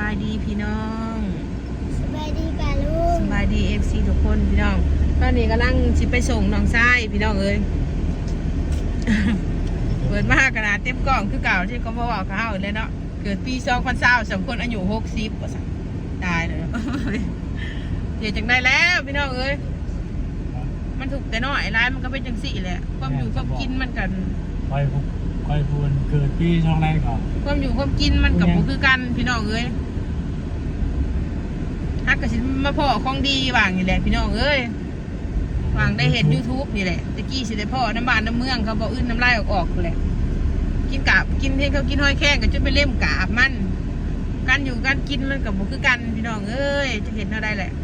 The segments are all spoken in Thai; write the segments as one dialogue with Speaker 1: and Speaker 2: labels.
Speaker 1: ายดีพี่น้อง
Speaker 2: สบายดีป่ะลุง
Speaker 1: สบายดีFCทุกคนพี่น้องตอนนี้กำลังสิไปส่งน้องชายพี่น้องเอ้ย เปิดมากขนาดเต็มกล่องคือเก่าที่เขาบอกเขาเลยเนาะเกิดปี2020 2 คนอายุ60ว่าสั่นตายเลย เดี๋ยวจังได้แล้วพี่น้องเอ้ยมันถูกแต่น้อยร้ายมันก็เป็นจังสี่แหละความอยู่ความกินมันกัน
Speaker 3: คอยพูนเกิดปีช่องแรกก่อน
Speaker 1: ความอยู่ความกินมันกับบ่คือกันพี่น้องเอ้ยฮักกะสิมาพ่อของดีว่างนี่แหละพี่น้องเอ้ยว่างได้เห็น YouTube นี่แหละตะกี้สิได้พ่อน้ำบ้านน้ำเมืองเขาบอกอื้นน้ำลายออกๆเลยกินกาบกินเท่เขากินห้อยแข้งก็จะไปเล่มกาบมันการอยู่การกินมันกับบ่คือกันพี่น้องเอ้ยจะเห็นเอาได้แหละ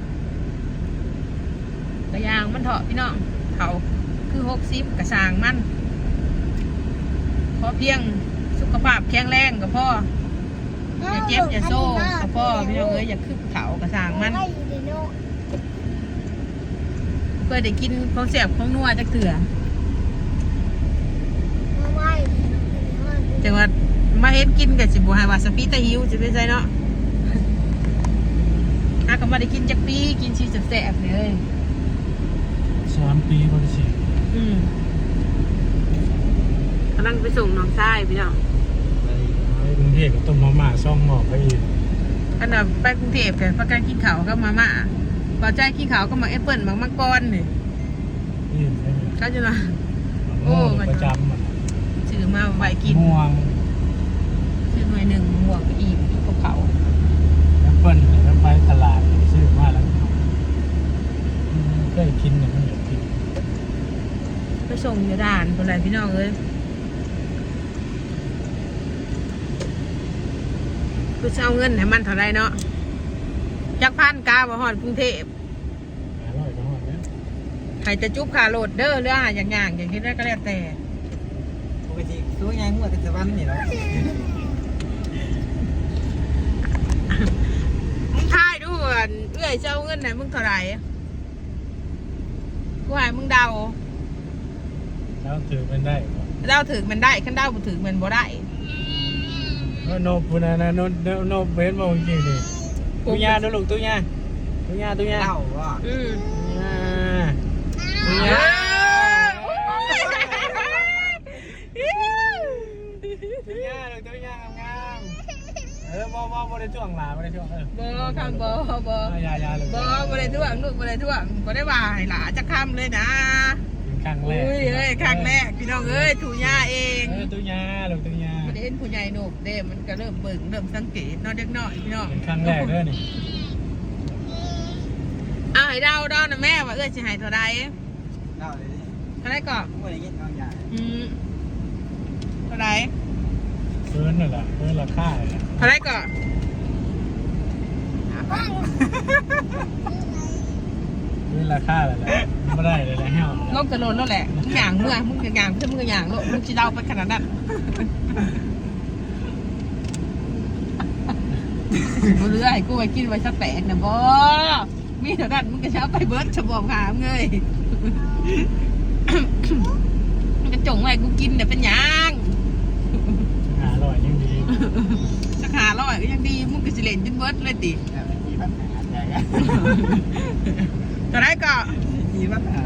Speaker 1: กระยางมันเถาะพี่น้องเขาคือ60กระสางมันพอเพียงสุขภาพแข็งแรงกับพ่ออย่าเจ็บอย่าโซ่กับพ่อพี่น้องเอ้ยอย่าคึกเขากระสางมันเพื่อได้กินของแสบของนัวจักเถื่อจังหวัดมาเฮ็ดกินกับสิบบัวหาว่าสปีตะหิวจะเป็นไงเนาะอาก็มาได้กินจักปีกินชีแสบๆเลย
Speaker 3: 3 ปีบริสุทธิ์
Speaker 1: กำลังไปส่งน้องชายพี่น้อง
Speaker 3: ไปกรุงเทพก็ต้มมาม่าซ่องหม้อไปอีก
Speaker 1: อันดับไปกรุงเทพกันประกันกินข้าวก็มาม่าพอใจกินข้าวก็มาแอปเปิ้ลมังกรนี่ก็จะนะ
Speaker 3: โอ้ประจำมัน
Speaker 1: ซื้อมาไว้กิน
Speaker 3: ม่วง
Speaker 1: ซื้อหน่วยหนึ่งม่วงอีกกับเขา
Speaker 3: แอปเปิ้ลแล้วไปตลาดซื้อมาแล้วก็กินเนี่ยมันอยากกิน
Speaker 1: ไปส่งอยู่ด่านคนไรพี่น้องเอ้ยคือเอาเงินให้มันเท่าไรเนาะจักพันกาบ่ฮอดกรุงเทพ
Speaker 3: 500ก็ฮอดแล้ว
Speaker 1: ใครจะจุ๊บขาโหลดเด้อเรื่องอย่างที่ได้ก็แล้วแต่
Speaker 4: ปกติตัวใหญ่หัวแต่สวรรค์นี่แหละ
Speaker 1: มึงทายดูเอื้อยเจ้าเงินไหนมึงเท่าไรกูให้มึงเดา
Speaker 3: แล้วถือเป็นได้
Speaker 1: เดาถึงมันได้ขั้นเดาบ่ถึงมันบ่ได้
Speaker 3: โนบุนะนะโนเบนมองจริงดิตุยาดูลูกตุยา
Speaker 4: เล่าว่า
Speaker 3: ตุยางามบ่ได้ช่วงหลาบ่ได้ช่วง
Speaker 1: บ่คำบ่
Speaker 3: ยาเลย
Speaker 1: บ่ได้ท่วงลูกบ่ได้ท่วงบ่ได้ว่าให้หลาจะค้ำเลยนะ
Speaker 3: ครั้งแรก
Speaker 1: เอ้ยครั้งแรกพี่น้องเอ้ยถูย่าเอง
Speaker 3: ตุยาลูกตุยา
Speaker 1: มันเห็นผู้ใหญ่หนุกเด้มันก็เริ่มเบิ่งเริ่มสังเกตน้อยเด็กน้อยพี่น้อง
Speaker 3: ครั้งแรกเด้อนี่
Speaker 1: เอาให้เดานะแม่ว่าเอ้ยสิให้เท่าใด
Speaker 4: เล่าเลย
Speaker 1: เท่าไรก่อน
Speaker 4: บ่ได้ยินเอาใหญ่
Speaker 1: เท่าไร
Speaker 3: เกินนั่นแหละเกินราคา
Speaker 1: เท่าไรก่อน
Speaker 3: เกินราคาแล้วแหละไม่ได้เลยแล้วเหี้ย
Speaker 1: ลงกระโดดแล้วแหละมึงอย่างเมื่อมึงอย่างเพื่อมึงอย่างโลดมึงจะเดาไปขนาดนั้นกูเลือยกูไปกินไว้สักแตกนะบ่มีเท่านั้นมึงก็เช้าไปเบิร์ดฉบอมหามเงยมันจะจงไว้กูกินเดี๋ยวเป็นยัง
Speaker 3: 500ยังดี
Speaker 1: สัก500ก็ยังดีมึงก็สิเล่นจนเบิร์ดเลยติ
Speaker 4: มีปัญหาใหญ่
Speaker 1: ตอนแรกก็
Speaker 4: มีปัญหา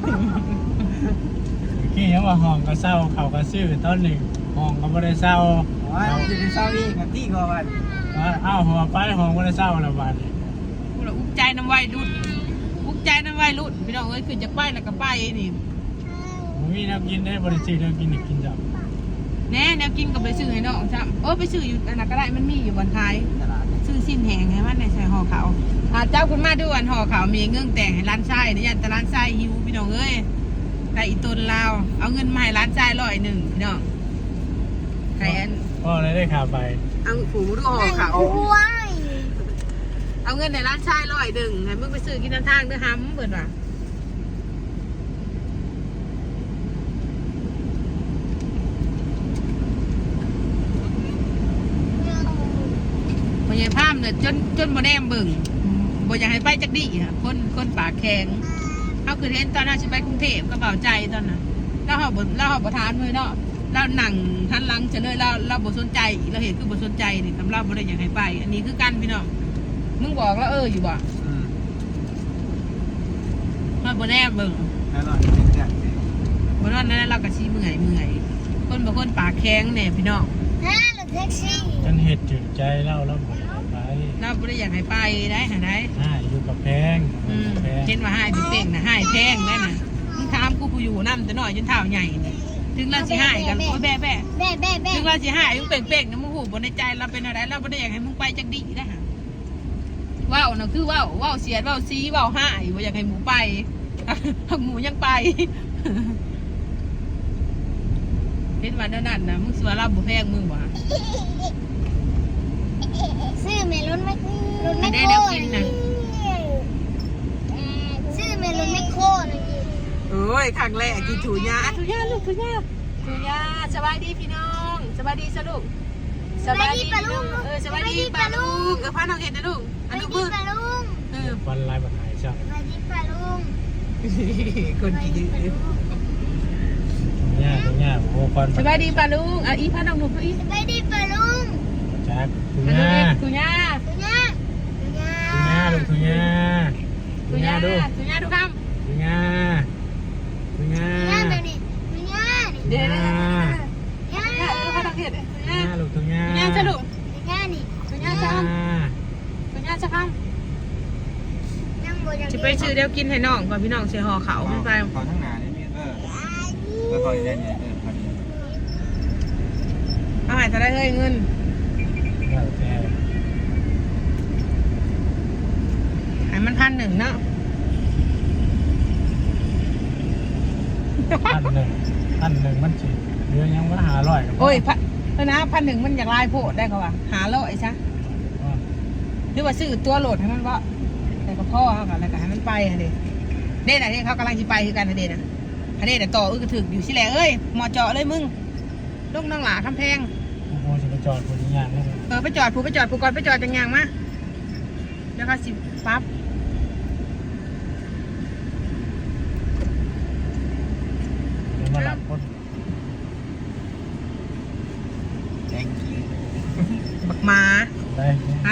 Speaker 3: ขี้ยังว่าห้องก็เศร้าเขาก็ซื้อต้นหนึ่งห้องก็ไม่ได้เศร้า
Speaker 4: จะได้เศร้าอีกกับที่ก็วัน
Speaker 3: อ้าวหัวไปห้องไม่ได้เศร้าแล้ววัน
Speaker 1: กูละอุกใจน้ำไว้รุ่นอุกใจน้ำไว้รุ่นพี่น้องเอ้ยคือจะไปแล้วก็ไปนี่
Speaker 3: มีแนวกินได้บริสุทธิ์แนวกินอีกกินจับ
Speaker 1: แน่แนวกินก็ไปซื้อให้น้องจ้ะไปซื้ออยู่อันนั้นก็ได้มันมีอยู่บนท้ายซื้อสิ้นแหงให้มันในใส่ห่อขาวเจ้าคุณมาดูอันห่อขาวมีเงื่อนแต่งให้ร้านไส้เนี่ยยันแต่ร้านไส้หิวพี่น้องเอ้ยแต่อีต้นลาวเอาเงินมาให้ร้านไส้101พี่น้องใครอัน
Speaker 3: พ่อได้ข่าวไป
Speaker 1: เอาผูดูห่อขาวเอาเงินในร้านไส้101ให้มึงไปซื้อกินทางเด้อฮัมเปิดว่ะพยายามเนี่ยจนมาแนมเบิ่งบ่อยากให้ไปจักดีค่ะคนปากแข็งเขาคือเห็นตอนนั้นฉันไปกรุงเทพก็เบาใจตอนนั้นแล้วเขาบ่ทานเลยเนาะเราหนังทันหลังจะเลยเราบ่สนใจเราเห็นคือบ่สนใจนี่ทำเราบ่ได้อยากให้ไป อันนี้คือกันพี่น้องมึงบอกแล้วอยู่บ่มาบ่แน่เบิ่ง
Speaker 4: แล้วเราเป็นแจก
Speaker 1: บ่นอนนั้นเราก็สิเมื่อยคนบางคนปากแข็งแน่พี่น้อง
Speaker 2: ฮะรถแท็กซี่
Speaker 3: ฉันเห็ดถึงใจเล่าแล้วบ่ได้ไป
Speaker 1: เราบ่ได้อยากให้ไปได้หาได้
Speaker 3: อยู่กับแพง แพง
Speaker 1: เห็นว่าให้พี่เป้งน่ะให้แพงได้น่ะมึงถามกูผู้อยู่นำแต่น้อยจนเท้าใหญ่นี่ถึงเราสิให้กันโอ้ยแบ่ ถึงเราสิหายมึงเป่งๆนะมึงหูบนในใจเราเป็นอะไรเราไม่ได้อยากให้มึงไปจักดีนะฮะว่าวนะคือว่าวเสียดว่าวซีว่าวหายว่าอยากให้หมูไปหมูยังไปเห็นวันนั้นนะมึงสวยเราบุแพงมึงวะ
Speaker 2: ซื้อเมลอนไม่รถไม่
Speaker 1: ได้
Speaker 2: โค
Speaker 1: เดี๋ยว
Speaker 2: ต
Speaker 1: กิน
Speaker 2: ร
Speaker 1: นะ
Speaker 2: ซื้อเมลอนไม่โคตร
Speaker 1: โอ้ยครั้งแรกกินถูยาถูยาลูกถูยาสบายดีพี่น้องสบายดีสลูกสบายดีปะลุงสบายดีปะลุงพาน้องเห็นนะลูก
Speaker 2: ส
Speaker 1: อัน
Speaker 2: บาย
Speaker 1: นี้
Speaker 2: ดี
Speaker 1: มือ
Speaker 2: ปะลุง
Speaker 3: วันลายบันหายช่าง
Speaker 2: สบายดีปะลุง
Speaker 1: คนดี
Speaker 3: เนี่ยโอ้ควัน
Speaker 1: สบายดีปะลุงอีพาน้องหนุ่มอี
Speaker 2: สบายดีปะลุง
Speaker 3: จักทุ
Speaker 1: อันนี้
Speaker 3: ญ่า
Speaker 1: ถูยา
Speaker 2: ตุญ่า
Speaker 3: ทุญ่าลูกทุญ่า
Speaker 1: ถูยาดูค
Speaker 3: ทุญ่าทุญ่า
Speaker 2: ตุญ่าเดี๋ยวนี้ตุญ่า
Speaker 1: ำเดี๋ยว
Speaker 3: ทุญ่า
Speaker 2: ย่า
Speaker 1: ดูพาน้องเห็น
Speaker 3: ทุญ่าลูกทุญ่า
Speaker 1: ถูยาจะลูก
Speaker 2: ตุญ่านี่
Speaker 1: ถู
Speaker 3: ทุ
Speaker 1: ยา
Speaker 3: ญ่า
Speaker 1: จะถูยาจะคำ
Speaker 2: ยังบ่ยัง
Speaker 1: จะไปซื้อเดี๋ยวกินให้น้องก่อนพี่น้องเสียห่อเขาไม่ไป
Speaker 4: ขอทั้งหนาเนี่ยมีแล้วขออย่างนี้พอดี
Speaker 1: เอาหายจะได้เฮ้ยเงิน
Speaker 3: แล้วแต่
Speaker 1: หายมัน1,100เนาะ
Speaker 3: 1,000มันสิเรือยังว่า500กับ
Speaker 1: โอ้ยนะ1,100มันอยากลายโพดได้เขาว่าหาโลไอ้ซะหรือว่าซื้อตัวโหลดให้มันว่าแต่ก็พ่อเขากันแล้วก็ให้มันไปฮะเด็เด็ดอะไรเขากำลังจะไปคือกันฮะเด็ดนะฮะเด็ดต่อกระถึกอยู่สิแหละเอ้ยหมอเจาะเลยมึงลูกน้องหลาคำแพง
Speaker 3: โอ้จะไปจอดบนยางแล้ว
Speaker 1: ไปจอดผูก่อนไปจอดจังยางมาแล้วก็สิปั๊บ
Speaker 3: มาหลับคน
Speaker 4: แจก
Speaker 1: บักมา
Speaker 3: ได้
Speaker 1: ไป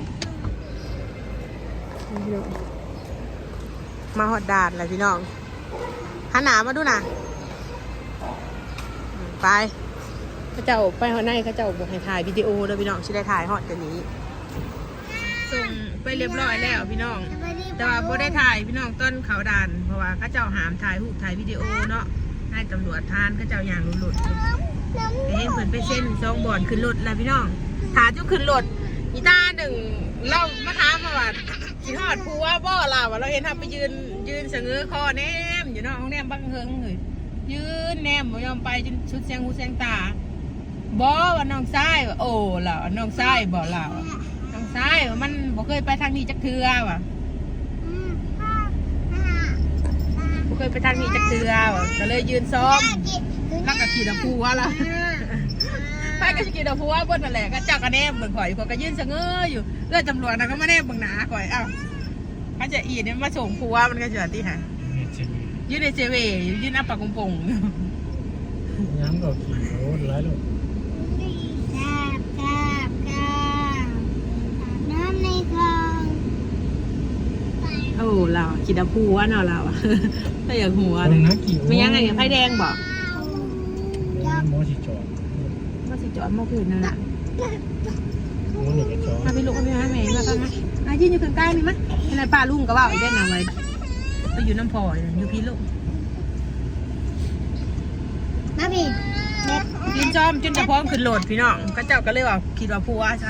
Speaker 1: มาหอดดาดเลยพี่น้องหันหนามาดูนะไปเขาเจ้าไปหอดในเขาเจ้าบอกให้ถ่ายวิดีโอเลยพี่น้องชิได้ถ่ายหอดกันนี้ส่งไปเรียบร้อยแล้วพี่น้อง
Speaker 2: สบายดี
Speaker 1: แต่ว่าบ่ได้ถ่ายพี่น้องต้นเขาด่านเพราะว่าเขาเจ้าหามถ่ายรูปถ่ายวิดีโอเนาะให้ตำรวจทานเขาเจ้าอย่างหลุดๆแต่เห็นเพิ่นไปเส้นซองบ่อนขึ้นรถแล้วพี่น้องถาจุขึ้นรถอีตาหนึ่งเรามาถามมาว่าสิฮอดผัวบ่ล่ะว่าเราเห็นทำไปยืนเสงอคอแนมอยู่เนาะห้องแนมบังเฮิงเลยยืนแนมบ่ยอมไปจนชุดแสงหูแสงตาบ่ว่าน้องชายว่าโอ้ล่ะน้องชายบ่ล่ะน้องชายว่ามันบ่เคยไปทางนี้จักเทื่อว่ะบ่เคยไปทางนี้จักเทื่อว่ะก็เลยยืนซ้อมแล้วก็ขี่ตะพูว่าล่ะไปก็ขี่ตะพูว่าบนนั่นแหละก็เจ้าก็แนมเบิ่งข่อยข่อยก็ยืนเสงออยู่เลือดตำรวจน่ะก็มาแนมเบิ่งหน้าข่อยเอ้าเขาจะอีเนี่ยมาส่งผัวมันก็จะที่หา
Speaker 3: นี่จริง
Speaker 1: ยืนในเจเวยืนอัปปากงปง
Speaker 3: ย้ำก็ขี่โอ้หลายลูก
Speaker 2: กาบน้ำในคลอง
Speaker 1: โอ้เราขี่ตะพูว่าเนาะเราอะถ้าอยากหัว
Speaker 3: ตรงนั้นกี่
Speaker 1: ไม่ยังไงไฟแดงบอก
Speaker 3: โมสิจอด
Speaker 1: ว่าสิจอดมาคืนนั่นแหละ
Speaker 3: โมนี่ก็จอด
Speaker 1: มาพี่ลูกมาพี่แม่มาครับมายืนอยู่ข้างใกล้นี่มั้ยในป้าลุงก็ว่าไอ้เด่นเอาไว้ไปอยู่น้ำพออยู่พี่ลูก
Speaker 2: มาพี่เด็ด
Speaker 1: ยืนจอมจนจะพร้อมขึ้นโหลดพี่น้องก็เจ้าก็เลยว่าคิดว่าผัวซะ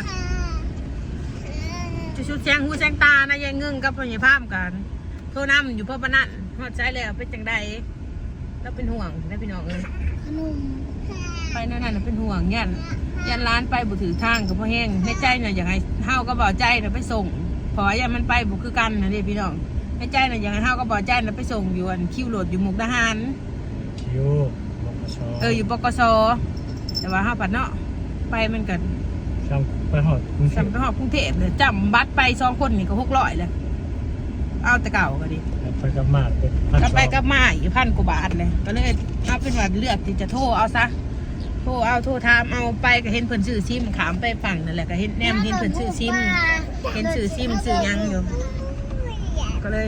Speaker 1: จะชุดแซงหูแซงตานะยายเงึ่งกับพ่อใหญ่พามกันโทรนำอยู่เพื่อปนั่นฮอดใจแล้วเป็นจังใดแล้วเป็นห่วงนะพี่น้องเอ้ย
Speaker 2: ขนม
Speaker 1: ไปนั่นน่ะเป็นห่วงยันร้านไปบุถือทางกับพ่อแห้งในใจน่ะอยากให้เฮาก็บ่ใจน่ะไปส่งเพอยันมันไปบุคือกันนะเด้พี่น้องในใจน่ะอยากให้เฮาก็บ่ใจน่ะไปส่งอยู่อันคิวโหลดอยู่มุกดาหาร
Speaker 3: คิวบกช
Speaker 1: อยู่ปกสแต่ว่าเฮาปัดเนาะไปมันกัน
Speaker 3: ซ้ำไปหอดกรุงเท
Speaker 1: สั
Speaker 3: พ
Speaker 1: มไปหอบกรุงเทพเลยจำบัตรไป2คนนี่ก็600เลยเอาแต่เก่าก็ดิ
Speaker 3: ไปกับมากเป็น
Speaker 1: ก็ไปกับมาอีก1,000 กว่าบาทเลยก็เลยเอาเป็นว่าเลือกที่จะโทรเอาซะโทรถามเอาไปก็เห็นเพิ่นซื้อซิมขามไปฝั่งนั่นแหละก็เห็นแนมเห็นเพิ่นซื้อซิมเห็นซื้อซิมซื้อหยังอยู่ก็เลย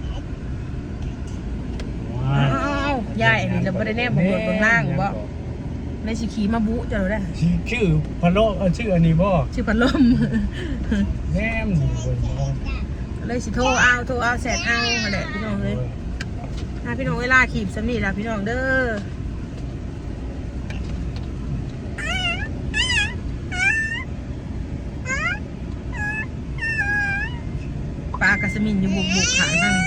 Speaker 1: อ้าวยายอันนี้เราบ่ได้แนมบ่บนบนล่างบ่ในสิขี่มาบุจะรู้ได้
Speaker 3: ชื่อพะโลชื่ออันนี้บ่
Speaker 1: ชื่อพัดลม
Speaker 3: แนมนี่เพิ่นบ่
Speaker 1: เลยสิโทรเอาแสนเอานั่นแหละพี่น้องเลยพี่น้องเวลาขีบสำนีล่ะพี่น้องเด้อปลากระสมินอยู่บุกขายบ้าง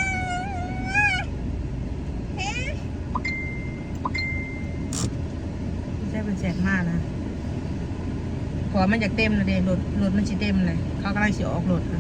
Speaker 1: ใช่เป็นแสนมากนะพอมันอยากเต็มนะเดรถมันสิเต็มเลยเขากำลังสิออกรถนะ